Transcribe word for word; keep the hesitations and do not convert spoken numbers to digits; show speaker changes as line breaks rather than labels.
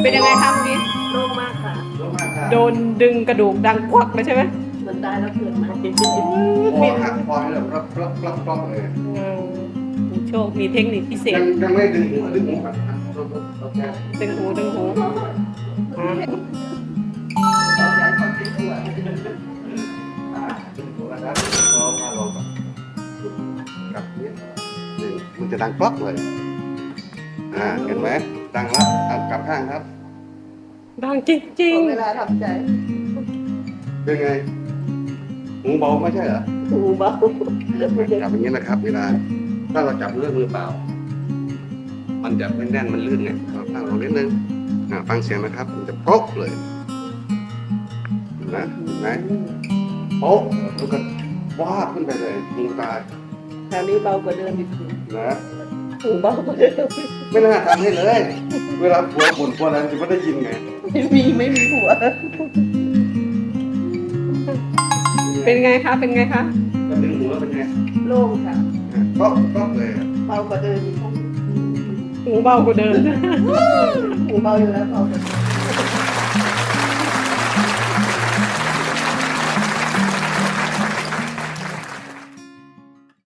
เป็นยังไงคะเมื่อกี้
โล่งมากค่ะ
โล่งมากค่ะ
โดนดึงกระดูกดังควักเลยใช่ไหม
เหมือนตายแล้วเกิดมา
คอหักคอให้แบบปลับปลับปลับปลับเลย
อืมมีโชคมีเทคนิคพิเศ
ยั
ษ
งยังไม่ดึงหูดึงหูก่อนนะโอเค
ดึงหูดึงหูอ่า
อ่าดึงหูนะครับรอมาลงก่อนกลับนี่นี่มันจะดังกรอกเลยอ่าเห็นไหมดังแล้วอ่ะกลับข้างครับ
ดังจริง
เวลาทำใจ
เป็นไงหูเบาไม่ใช่เหรอ
หูเบา
จับอย่างนี้นะครับ เวลาถ้าเราจับเรื่องมือเปล่า มันจะไม่แน่นมันลื่นไงเราตั้งลงนิดนึงอ่าฟังเสียงนะครับ มันจะโป๊กเลยเห็นไหมเห็นไหมโป๊กแล้วก็ว้าบขึ้นไปเลยหูตาย
คราวนี้เบากว่าเดิมอีก
นะ
หูเบากว่าเดิม
ไม่น่าทำให้เลย เวลาผัวบ่นผัวอะไรจะไม่ได้ยินไง
ไม่มีไม่มีหัว
ๆ เป็นไงคะ เป็นไงคะ
ก็ดึงหูแล้วเป็นไง
โล่งค่ะ
ก็ก็เลย
เบากว่าเดิมอีก
หูเบากว่าเดิม
หูเบาอยู่แล้วเบากว่าเดิม